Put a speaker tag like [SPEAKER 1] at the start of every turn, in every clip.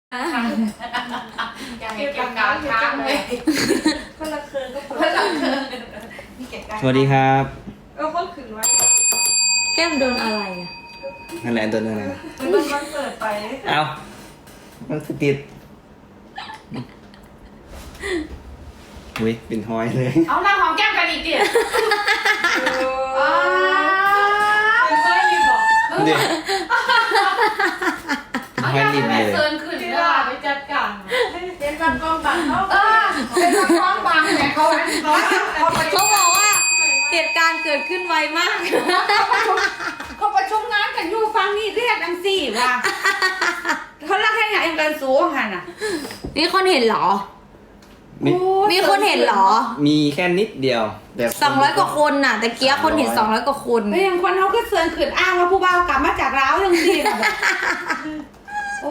[SPEAKER 1] อย่างเก็บกาวค้างเลยคนละคืนก็คนละคืนมีเก็บกาว
[SPEAKER 2] สวัสดีครับ
[SPEAKER 1] คนคืนไว้
[SPEAKER 3] แก้มโดนอะไรอ่ะ
[SPEAKER 2] นั่นแหละตัวนั้นนะ
[SPEAKER 1] มันคอนเสิร์ตไป
[SPEAKER 2] เอามันคือติดอุ้ยเป็นห้อยเลย
[SPEAKER 1] เอาหน้าหอมแก้มกันอีกดิเป็นเพื่อนรีบอก
[SPEAKER 2] เดี๋ยวห้อยริมเลย
[SPEAKER 1] เซิร์นขึ้นเวลาไปจัดการเป็นบังกองบังเขาเป็นบังกองบังเนี่ยเขา
[SPEAKER 3] เขาบอกว่าเหตุการณ์เกิดขึ้นไวมาก
[SPEAKER 1] เขาประชุมงานกันอยู่ฟังนี่เรียกดังสี่ว่ะเขาเล่าแค่ไหนเองกันสูงหันอ่ะ
[SPEAKER 3] มีคนเห็นเหรอ มีคนเห็นเหรอ
[SPEAKER 2] มีแค่นิดเดียวแต่
[SPEAKER 3] 200 กว่าคนน่ะ แต่เกี้ยคนเห็น200 กว่าคน
[SPEAKER 1] แล้วยังคนเขาก็เซิร์นขึ้นอ้างว่าผู้บ่าวกลับมาจากร้าวยังสี่แบบโอ้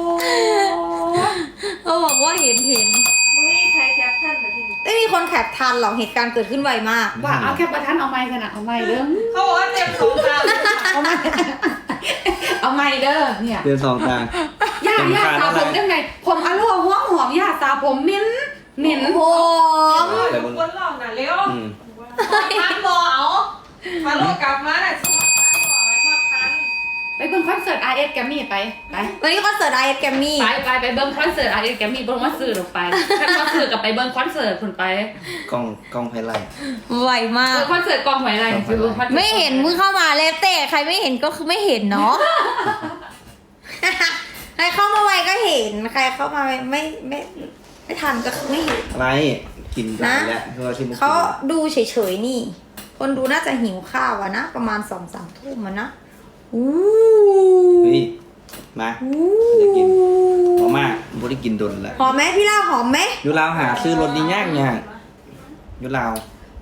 [SPEAKER 3] เขาบอกว่าเห็น
[SPEAKER 1] ไม่ใครแคปชั่นมาที่
[SPEAKER 3] ไม่มีคนแคปทันหรอกเหตุการณ์เกิดขึ้นไวมาก
[SPEAKER 1] ว่าเอาแค่ประทันเอาไม้ขนาดเอาไม้เด้อเขาบอกว่าเต็มสองตาเอาไม้เอาไม้เด้อเนี่ย
[SPEAKER 2] เดือนสองตา
[SPEAKER 1] ย่าสาวผมได้ไงผมอร่อยหอมย่าสาวผมเหม็น
[SPEAKER 3] หอม
[SPEAKER 2] แต่บน
[SPEAKER 4] คนหลอกน่ะเร็ว
[SPEAKER 2] อืม
[SPEAKER 4] ทันบอเอามาลูกกลับมาน่ะสมัครทันบอไอ้พอทัน
[SPEAKER 1] ไปเบิ่งคอนเสิร์ต RS แกมมี่ไป
[SPEAKER 3] วันนี้คอนเสิร์ต IS Grammy
[SPEAKER 1] ไปเบิ่งคอนเสิร์ต RS แกมมี่เบิ่งว่าซื้อลงไปถ้าคอนเสิร์ตกับไปเบิ่งคอนเสิร์ตคุณไป
[SPEAKER 2] กล้องไฮไลท์
[SPEAKER 3] ไวมาก
[SPEAKER 1] คอนเสิร์ตกองหอยไรคือคอนเสิร์ต
[SPEAKER 3] ไม่เห็นมึงเข้ามาแล้วแต่ใครไม่เห็นก็คือไม่เห็นเนาะ ใครเข้ามาไวก็เห็น ใครเข้ามาไม่ทันก็คือไม่เห็น
[SPEAKER 2] อะไรกินกันแล้วคือว่าที่มุก
[SPEAKER 3] เขาดูเฉยๆนี่ คนดูน่าจะหิวข้าวอะนะ ประมาณ2-3 ทุ่มอะนะอู้
[SPEAKER 2] เฮ้ยมาจะกินพอมากบ่ได้กินดนแล้ว
[SPEAKER 3] หอมไหมพี่ล่าหอมไหม
[SPEAKER 2] อยู่ลาวหาซื้อรถดียากอยู่ลาว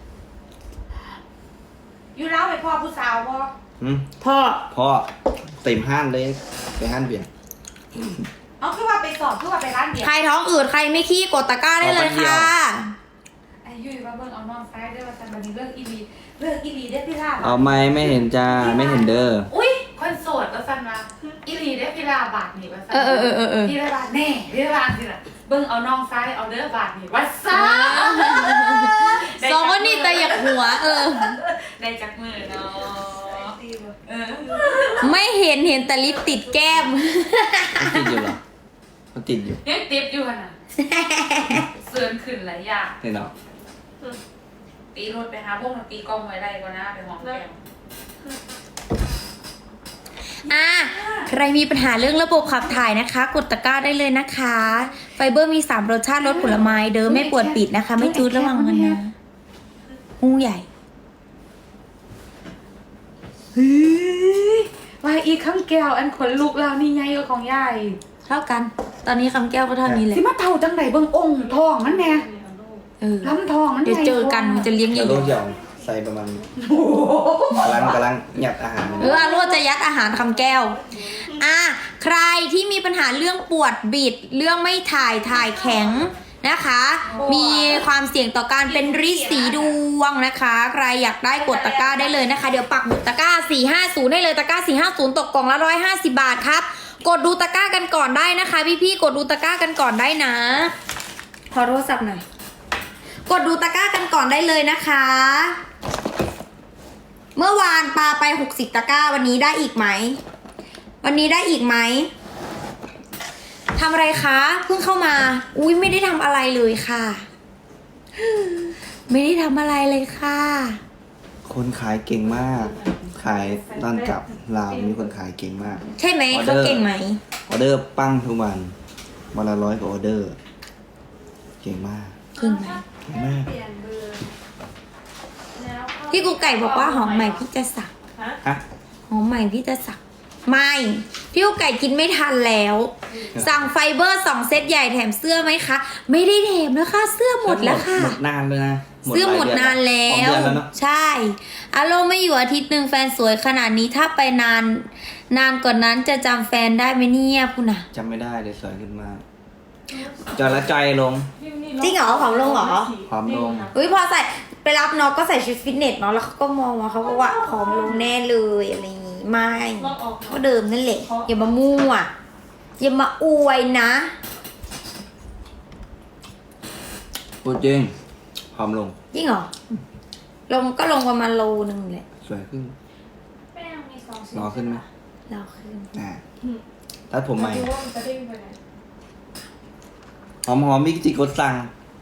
[SPEAKER 1] อยู่แล้วไปพ่อผู้สาวบ่
[SPEAKER 3] พ่อ
[SPEAKER 2] พ่อเต็มห้านเลยไปห้านเบียร์
[SPEAKER 1] เอาคือว่าไปสอบคือว่าไปร้านเดียว
[SPEAKER 3] ใครท้องอืดใครไม่ขี้กดตะกร้าได้เลยค่ะ
[SPEAKER 1] ไอ้ยุ้ยว่าเบิ่งเอาน้องซ้ายเด้อว่าซั่นบัดนี้เรื่องอีลีเด้อพี่ลาบ
[SPEAKER 2] เอาไม่เห็นจ้าไม่เห็นเด้อ
[SPEAKER 1] อุ้ยคนโสดว่าซั่นว่าอีลีเด้อพี่ลาบาทนี่ว่าซั่น
[SPEAKER 3] เออ
[SPEAKER 1] พี่ลาบาทแน่พี่ลาบาทสิล่ะเบิ่งเอาน้องซ้ายเอาเด้อบาทนี่ว่าซั่น
[SPEAKER 3] สองคนนี่แต่อยากหัว
[SPEAKER 1] ได้จักมือเนาะเออ
[SPEAKER 3] ไม่เห็นแต่ลิปติดแก้ม
[SPEAKER 2] มันติดอยู่เหรอมันติดอยู่
[SPEAKER 1] ยังติดอยู่หั่นน่ะเสื่อนขึ้นหลายอย่าง
[SPEAKER 2] เห็นเหรอ
[SPEAKER 1] ตีรถไปหาพวกมันตีกล้องไว้ได้ก่อนนะไปหอมแก้ม
[SPEAKER 3] ใครมีปัญหาเรื่องระบบขับถ่ายนะคะ กดตะกร้าได้เลยนะคะ ไฟเบอร์มี3รสชาติรสผลไม้เดิมไม่ปวดปิดนะคะ ไม่จูดระวังกันนะหูใหญ่
[SPEAKER 1] ว่าอีกคำแก้วอันขนลุกแล้วนี่ไงก็ของยาย
[SPEAKER 3] เท่ากัน ตอนนี้คำแก้วก็เท่านี้แหละ
[SPEAKER 1] สิมาเท่าจังไหนเบิ่งองค์ทองมันแน่ ลำทองมัน
[SPEAKER 3] เดี๋ยวเจอกันมันจะเลี้ยงให
[SPEAKER 2] จะ
[SPEAKER 3] ญ่
[SPEAKER 2] ลงเดี่ยวใส่ประมาณกำลังหยัดอาหารมัน
[SPEAKER 3] อาโรจะยัดอาหารคำแก้ว ใครที่มีปัญหาเรื่องปวดบิด เรื่องไม่ถ่ายแข็งนะคะ มีความเสี่ยงต่อการเป็นริดสีดวงนะคะ ใครอยากได้กดตะกร้าได้เลยนะคะ เดี๋ยวปักหมุดตะกร้า450ได้เลยตะกร้า450ตกกล่องละ150 บาทครับ กดดูตะกร้ากันก่อนได้นะคะ พี่ๆกดดูตะกร้ากันก่อนได้นะขอโทรศัพท์หน่อยกดดูตะกร้ากันก่อนได้เลยนะคะ เมื่อวานปาไป60ตะกร้าวันนี้ได้อีกไหมวันนี้ได้อีกไหมทำอะไรคะเพิ่งเข้ามาอุ้ยไม่ได้ทำอะไรเลยค่ะ ไม่ได้ทำอะไรเลยค่ะ
[SPEAKER 2] คนขายเก่งมาก ขายตอนกลับลาวมีคนขายเก่งมาก
[SPEAKER 3] ใช่ไหมเขาเก่งไหม
[SPEAKER 2] ออเดอร์ปั้งทุกวันวันละ100 กว่าออเดอร์ เก่งมาก
[SPEAKER 3] เก่งไหม
[SPEAKER 2] เก่งมาก
[SPEAKER 3] พี่กูไก่บอกว่าหอมใหม่พี่จะสัก
[SPEAKER 2] ฮะ
[SPEAKER 3] หอมใหม่พี่จะสักไม่พี่กูไก่กินไม่ทันแล้ว สั่งไฟเบอร์2เซตใหญ่แถมเสื้อไหมคะไม่ได้แถมแล้วค่ะเสื้อหมดแล้วค่ะ
[SPEAKER 2] หมดนานเลยนะ
[SPEAKER 3] เสื้อหมดนานแล้
[SPEAKER 2] สอง
[SPEAKER 3] ว
[SPEAKER 2] เดือนแล้วเนอะ
[SPEAKER 3] ใช่อารมณ์ไม่อยู่อาทิตย์หนึ่งแฟนสวยขนาดนี้ถ้าไปนานกว่านนั้นจะจำแฟนได้ไหมเนี่ยพูน่ะ
[SPEAKER 2] จำไม่ได้เลยสวยขึ้นมากจอยละใจลง
[SPEAKER 3] จริงเหรอผอมลงเหรอ
[SPEAKER 2] ผอมลง
[SPEAKER 3] อุ้ยพอใส่ไปรับน้องก็ใส่ชุดฟิตเนสเนาะแล้วเขาก็มองว่าเขาบอกว่าผอมลงแน่เลยอะไรอย่างงี้ไม่ก็เดิมนั่นแหละอย่ามามั่วอย่ามาอวยนะ
[SPEAKER 2] พูดจริงผอมลง
[SPEAKER 3] จริงเหรอ ลงก็ลงประมาณโลนึงแหละ
[SPEAKER 2] สวยขึ้น
[SPEAKER 4] แป้งมีสองสี
[SPEAKER 2] รอขึ้นไหม
[SPEAKER 3] เราขึ้น
[SPEAKER 2] ตัดผมใหม่
[SPEAKER 4] ดูว่ามันจะเด้งไปไหน
[SPEAKER 2] หอมๆมิกจิกดสั่ง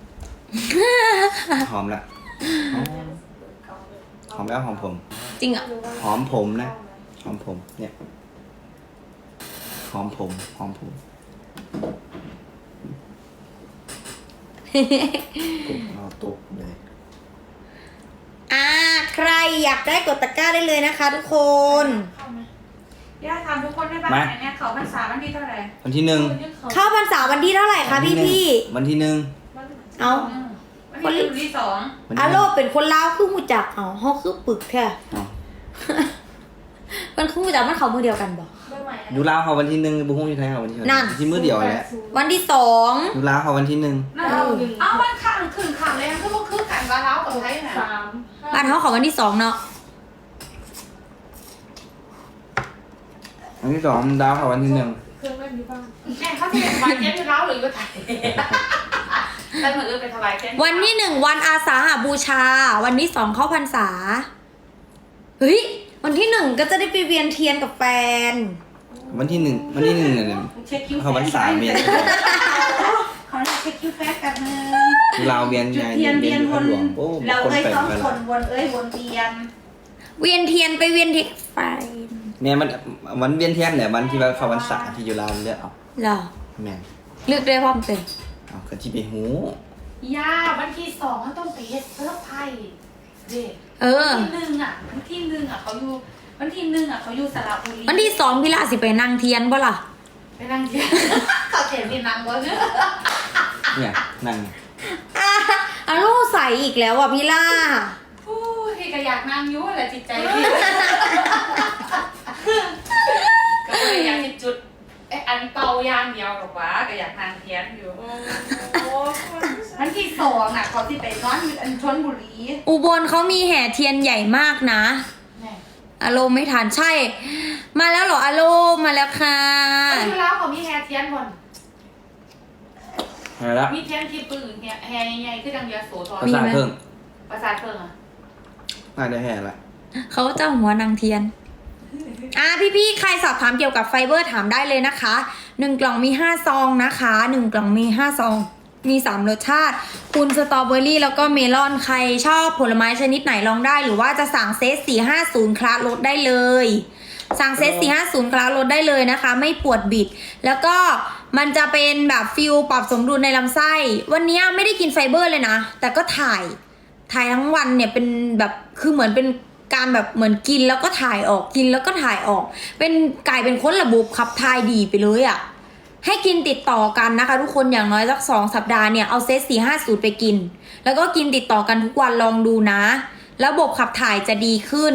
[SPEAKER 2] หอมละหอมแล้วหอมผม
[SPEAKER 3] จริงเหรอ
[SPEAKER 2] หอมผมนะหอมผมเนี่ยหอมผมผมเอาตุกเลย
[SPEAKER 3] ใครอยากได้กดตะกร้าได้เลยนะคะทุกคน
[SPEAKER 1] เข้าไหมย่าถามทุกคนได้บ้างไหนเนี่ยเขาพรรษาวันที่เท่าไหร่
[SPEAKER 2] วันที่หนึ่ง
[SPEAKER 3] เข้าพรรษาวันที่เท่าไหร่คะพี่
[SPEAKER 2] วันที่หนึ่ง
[SPEAKER 3] เอา
[SPEAKER 1] วันที่ที่สอง
[SPEAKER 2] วัน
[SPEAKER 3] อา
[SPEAKER 2] ที่ห
[SPEAKER 3] โล
[SPEAKER 2] นึ่ง
[SPEAKER 3] เป็นคนลาวคือหูจักเอาเฮาคือปึกแท้
[SPEAKER 2] อ๋อ
[SPEAKER 3] มันคือหูจักมันเขามือเดียวกันบ่
[SPEAKER 4] เบอร์ใหม่
[SPEAKER 2] อยู่ลาวเขาวันที่หนึ่งบุ้งอยู่ไทยเขาวันที่
[SPEAKER 3] นั่น
[SPEAKER 2] ที่มือเดียวแหละ
[SPEAKER 3] วันที่สอง
[SPEAKER 2] อยู่ลาวเขาวันที่หนึ่ง
[SPEAKER 1] นั่นเอาวันข้างคืนข้างเลยคือพวกคือกันกับเรากับไทยน่ะ
[SPEAKER 4] สาม
[SPEAKER 3] บ้านเขาเขาวันที่สองเนาะ
[SPEAKER 2] วันที่สองดาวเขาวันที่หนึ่ง
[SPEAKER 4] เครื่องเล่นที่บ้าน
[SPEAKER 1] แม่เขาจะเป็นวันเย็นที่เราหรือว่าไทยแต่เหมือนไปถวายเช่น
[SPEAKER 3] วันที่หนึ่งวันอาสาหบูชา วันที่สองเข้าพรรษาเฮ้ยวันที่หนึ่งก็จะได้ไปเวียนเทียนกับแฟน
[SPEAKER 2] วันที่หนึ่งเนี่ย
[SPEAKER 1] เช็คคิว
[SPEAKER 2] เขาวันสามเมษ
[SPEAKER 1] เขาเช็คคิวแฟกกันนึง
[SPEAKER 2] ลาวเวียน
[SPEAKER 1] จุด
[SPEAKER 2] ไง
[SPEAKER 1] เทียนเวียน
[SPEAKER 2] อยู่
[SPEAKER 1] ว
[SPEAKER 2] ข้าน หลวงโอ้
[SPEAKER 1] เรา
[SPEAKER 2] คน
[SPEAKER 1] เอ้ย
[SPEAKER 2] แปลก
[SPEAKER 1] ต้อง
[SPEAKER 2] ไป
[SPEAKER 1] ค
[SPEAKER 2] ละ
[SPEAKER 1] นวนเอ้ยวนเวียน
[SPEAKER 3] เวียนเทียนไปเวียนเทียนไฟ
[SPEAKER 2] เนี่ยมันวันเวียนเทียนแหละวันที่ว่าเขาวันสาที่อยู่ลาวเลือกเอา
[SPEAKER 3] เหรอ
[SPEAKER 2] แม่น
[SPEAKER 3] เลือกได้พร้อมเต็ม
[SPEAKER 2] เอากะที่ไปหู
[SPEAKER 1] ย่าวันที่สองเขาต้องไปเฮ็ดเซิร์ฟไพ่เด็ก
[SPEAKER 3] เออ
[SPEAKER 1] วันที่หนึ่งเขาอยู่วันที่หนึ่งเขาอยู่สระบุรี
[SPEAKER 3] วันที่สองพี่ลาสิไปนั่งเทียนบ่ล่ะ
[SPEAKER 1] ไปนั่งเทียนเขาเทียนที่นั่งวะเนี่ย
[SPEAKER 2] เนี่ยนั่น
[SPEAKER 3] อาโลใส่อีกแล้วอ่ะพี่ล่า
[SPEAKER 1] พูดที่ก็อยากนั่งอยู่แหละจิตใจพี่ก็เลยอยากจะจุดอันเป่ายางเดียวหรอกวะก็อยากนั่งเทียนอยู่
[SPEAKER 4] โอ้คน
[SPEAKER 1] วันที่สองเขาที่ไปนอนอยู่อันชลบุรี
[SPEAKER 3] อุบลเขามีแห่เทียนใหญ่มากนะ
[SPEAKER 1] แม่
[SPEAKER 3] อาโลไม่ทันใช่ มาแล้วเหรออาโลมาแล้วค่ะ
[SPEAKER 1] อยู่แล้วเขามีแฮเทียนบน
[SPEAKER 2] อะไรละ
[SPEAKER 1] มีเทียนที่ปืนแฮใหญ่ๆคือดังเดียโสธร
[SPEAKER 2] ภาษาเพิ่ง
[SPEAKER 1] ประสาทเพิ่งอ่ะ
[SPEAKER 2] น่าจะแห่ละ
[SPEAKER 3] เขาจะหัวนางเทียนพี่ๆใครสอบถามเกี่ยวกับไฟเบอร์ถามได้เลยนะคะ1กล่องมี5ซองนะคะ1กล่องมี5ซองมี3รสชาติคุณสตรอเบอรี่แล้วก็เมลอนใครชอบผลไม้ชนิดไหนลองได้หรือว่าจะสั่งเซต450คลาสลดได้เลยสั่งเซต450คลาสลดได้เลยนะคะไม่ปวดบิดแล้วก็มันจะเป็นแบบฟิลปรับสมดุลในลำไส้วันนี้ไม่ได้กินไฟเบอร์เลยนะแต่ก็ถ่ายทั้งวันเนี่ยเป็นแบบคือเหมือนเป็นการแบบเหมือนกินแล้วก็ถ่ายออกกินแล้วก็ถ่ายออกเป็นกลายเป็นคนระบบขับถ่ายดีไปเลยอะ่ะให้กินติดต่อกันนะคะทุกคนอย่างน้อยสัก2 สัปดาห์เนี่ยเอาเซต450ไปกินแล้วก็กินติดต่อกันทุกวันลองดูนะระบบขับถ่ายจะดีขึ้น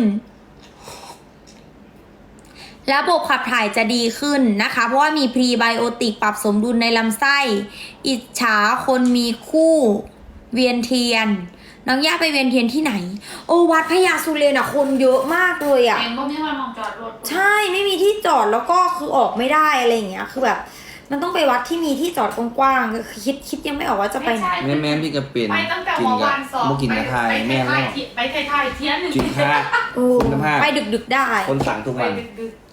[SPEAKER 3] ระบบขับถ่ายจะดีขึ้นนะคะเพราะว่ามีพรีไบโอติกปรับสมดุลในลำไส้อิจฉาคนมีคู่เวียนเทียนน้องย่าไปเวียนเทียนที่ไหนโอวัดพญาสุเรนอ่ะคนเยอะมากเลยอ่ะ
[SPEAKER 1] เองก็ไม่ว่ามองจอดรถ
[SPEAKER 3] ใช่ไม่มีที่จอดแล้วก็คือออกไม่ได้อะไรอย่างเงี้ยคือแบบมันต้องไปวัดที่มีที่จอดกว้างๆคือคิดยังไม่ออกว่าจะไปไหน
[SPEAKER 2] แม่พี่ก็เป็น
[SPEAKER 1] ไปตั้งแต่
[SPEAKER 2] กิน
[SPEAKER 1] เมื่อ
[SPEAKER 2] กับ
[SPEAKER 1] วานสอบ
[SPEAKER 2] บ่กินกับไทยแม่
[SPEAKER 1] ไป
[SPEAKER 2] แล้ว
[SPEAKER 1] ไทยเทียนหนึ่ง
[SPEAKER 2] กินข้าว
[SPEAKER 3] โอ้
[SPEAKER 2] คุณภาพ
[SPEAKER 3] ไปดึกๆได้
[SPEAKER 2] คนสั่งทุก
[SPEAKER 1] ไป
[SPEAKER 2] วัน
[SPEAKER 1] ดึก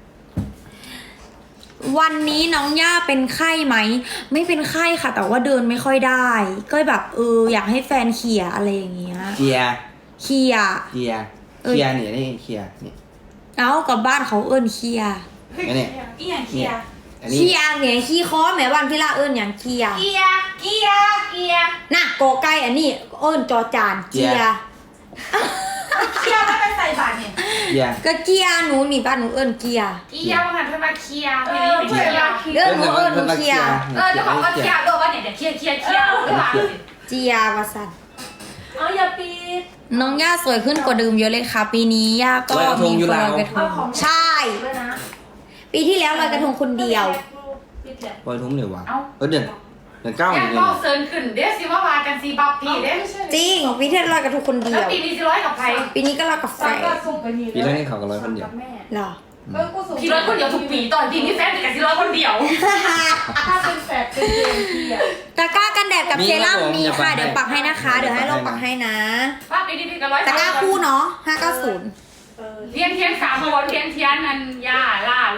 [SPEAKER 3] วันนี้น้องย่าเป็นไข้ไหมไม่เป็นไข้ค่ะ แต่ว่าเดินไม่ค่อยได้ ก็แบบอยากให้แฟนเขี่ยอะไรอย่างเงี้ย
[SPEAKER 2] เกียร์
[SPEAKER 3] เขี่ย
[SPEAKER 2] เกียร์เกียร์เนี่ยนี่เกียร์นี่
[SPEAKER 3] เอากับบ้านเขาเอิ้นเขี่ย
[SPEAKER 2] อันนี้
[SPEAKER 1] ๆอีหยังเกียร์
[SPEAKER 2] อันนี้
[SPEAKER 3] เขี่ยเนี่ยขี้คอแม่บ้านพี่ละเอิ้นอย่างเขี่ย
[SPEAKER 1] เกียร์
[SPEAKER 3] น่ะกอไก่อันนี้เอิ้นจอจานเกีย
[SPEAKER 1] เกียร์ไม่ไปใส่บาตรเนี่ย
[SPEAKER 2] เกียร์
[SPEAKER 3] ก็เกียหนูนี่บ้านหนูเอิ้นเกีย
[SPEAKER 1] เกียร์มาหันเพิ่นมาเคียร์
[SPEAKER 4] เอ
[SPEAKER 1] พี่
[SPEAKER 4] อ
[SPEAKER 1] นี่เป็น
[SPEAKER 4] เพื่
[SPEAKER 1] เกี
[SPEAKER 4] อน
[SPEAKER 1] ยร์
[SPEAKER 4] เราคิด
[SPEAKER 3] เอิ้นหนูเเกีย
[SPEAKER 1] จะบอกว่าเคียร์โดนว่าเนี่ยเดี๋ยวเคียร์หรือเปล่า
[SPEAKER 3] เจียว่าซั่น
[SPEAKER 4] เอาอย่าปิด
[SPEAKER 3] น้องย่าสวยขึ้นกว่าเดิมเยอะเลยค่ะ ปีนี้ย่าก็มีคนลอยกระท
[SPEAKER 4] เอา
[SPEAKER 3] ง
[SPEAKER 4] ของ
[SPEAKER 3] ใช่
[SPEAKER 4] ด้วยนะ
[SPEAKER 3] ปีที่แล้วลอยกระทงคนเดียว
[SPEAKER 4] ปิดแหละ
[SPEAKER 2] ปล่อยทุ่มเดี๋ยววะเดือนเก้า
[SPEAKER 1] แอ
[SPEAKER 2] เดือน
[SPEAKER 1] นก็เซิร์นขึ้นเดี๋ยวสิว่าว่ากันสิบับพี่เด้
[SPEAKER 3] จริงปีที่แล้วลอยกระทงคนเดี
[SPEAKER 1] แล้ว
[SPEAKER 3] ยว
[SPEAKER 1] ปีนี้สิร้อยกับใคร
[SPEAKER 3] ปีนี้ก็ลอยกับแฟ
[SPEAKER 4] สั่ง
[SPEAKER 3] น
[SPEAKER 4] ก็ส่งไปนี่
[SPEAKER 2] ปีแรกนี่เขาก็ร้อยคนเดียว
[SPEAKER 4] กับแม่
[SPEAKER 3] เหรอ
[SPEAKER 4] กูสูง
[SPEAKER 1] พี่ร้อยคนเดียวทุกปีตอนพี่มีแฟนแต่กับพี่ร้อยคนเดียว
[SPEAKER 4] ถ้าเป็นแฟดเป็นเกมพี่อะ
[SPEAKER 3] ตะกร้ากันแดดกับเซรั่มมีค่ะ เดี๋ยวปักให้นะคะ เดี๋ยวให้เราปักให้นะ
[SPEAKER 1] ว่าปีนี้พี่กับร้อย
[SPEAKER 3] ตะกร้าคู่เนาะ590
[SPEAKER 1] เทียน3 คนเทียนนันย่าล่าโล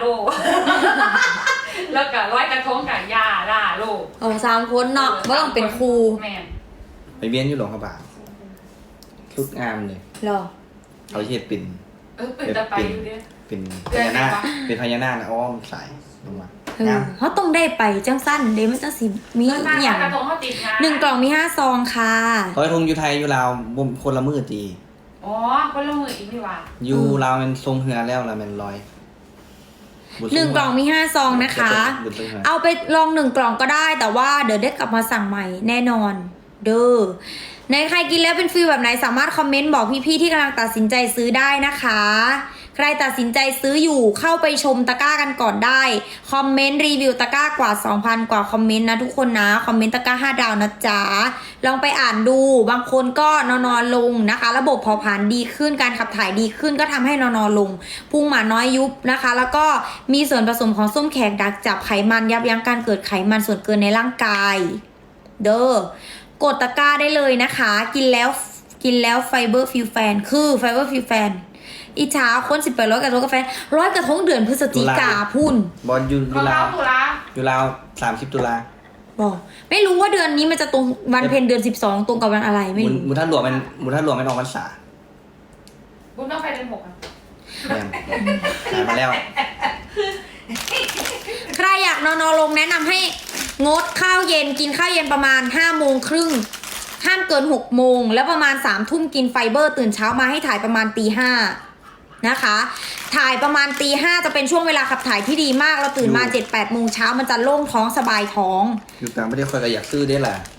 [SPEAKER 1] แล้วก็ร้อยกระทงกับย่าล่าโล
[SPEAKER 3] โอ้3คนเนาะบ่ต้องเป็นครู
[SPEAKER 1] แม่น
[SPEAKER 2] ไปเวียนอยู่หลวงพระบางทุกงามเลย
[SPEAKER 3] เหรอ
[SPEAKER 2] เขาเฮ็ดเป็น
[SPEAKER 1] เป็นตะไปอยู่เด้อ
[SPEAKER 2] เป็นพญานาคเป็นพญานาคนะอ้อมสายลงมา
[SPEAKER 3] เออเขาต้องได้ไปจังสั้นเดมันจังสิมี
[SPEAKER 1] เรื่อง
[SPEAKER 3] อหย่าง
[SPEAKER 1] กระทงเขาติดงาน
[SPEAKER 3] 1 กล่องมี5 ซองค่ะ
[SPEAKER 2] ร้อยธงอยู่ไทยอยู่ลาวบ่มคนละมือตี
[SPEAKER 1] อ๋อคนละมืออีกนี่ว่า
[SPEAKER 2] อยู่ลาวมันทรงเฮือแล้วละมันลอยบุญทร
[SPEAKER 3] 1 กล่องมี5 ซองนะคะ
[SPEAKER 2] บุญทรงเฮือ
[SPEAKER 3] เอาไปลอง1 กล่องก็ได้ แต่ว่าเดี๋ยวได้กลับมาสั่งใหม่แน่นอน เด้อในใครกินแล้วเป็นฟีลแบบไหนสามารถคอมเมนต์บอกพี่ๆที่กำลังตัดสินใจซื้อได้นะคะ ใครตัดสินใจซื้ออยู่เข้าไปชมตะกร้ากันก่อนได้คอมเมนต์รีวิวตะกร้ากว่า 2,000 กว่าคอมเมนต์นะทุกคนนะคอมเมนต์ตะกร้า5 ดาวนะจ๊ะลองไปอ่านดูบางคนก็นอนลงนะคะ ระบบเผาผลาญดีขึ้นการขับถ่ายดีขึ้นก็ทำให้นอนลงพุงหมาน้อยยุบนะคะ แล้วก็มีส่วนผสมของส้มแขกดักจับไขมันยับยั้งการเกิดไขมันส่วนเกินในร่างกายเด้อกดตะกร้าได้เลยนะคะกินแล้วไฟเบอร์ฟิวแฟนคือไฟเบอร์ฟิวแฟนอิจฉาคน1800กระทงกาแฟ100กระทงเดือนพฤศจิกาพุ่น
[SPEAKER 2] บอลอยู่
[SPEAKER 1] ของ
[SPEAKER 2] ลา
[SPEAKER 1] เรา
[SPEAKER 2] ว
[SPEAKER 1] ตุลา
[SPEAKER 2] อยู่ลาว30 ตุลา
[SPEAKER 3] บอกไม่รู้ว่าเดือนนี้มันจะตรงวันเพ็ญเดือน12ตรงกับวันอะไรไม่รู้
[SPEAKER 2] หมุนท่านหลวงมันหมุนท่านหลวงมันออกพรรษา
[SPEAKER 1] บุญต้องไปเดือน6อ่ะ
[SPEAKER 2] แม่นหามาแล้ว
[SPEAKER 3] ใครอยากนอนลงแนะนำให้งดข้าวเย็นกินข้าวเย็นประมาณ5 โมงครึ่งห้ามเกิน6 โมงแล้วประมาณ3 ทุ่มกินไฟเบอร์ตื่นเช้ามาให้ถ่ายประมาณตี 5นะคะถ่ายประมาณตี 5จะเป็นช่วงเวลาขับถ่ายที่ดีมากเราตื่นมา 7-8 โมงเช้ามันจะโล่งท้องสบายท้อง
[SPEAKER 2] อยู่ต่างประเทศคอยก็อยากซื้อได้ล่ะ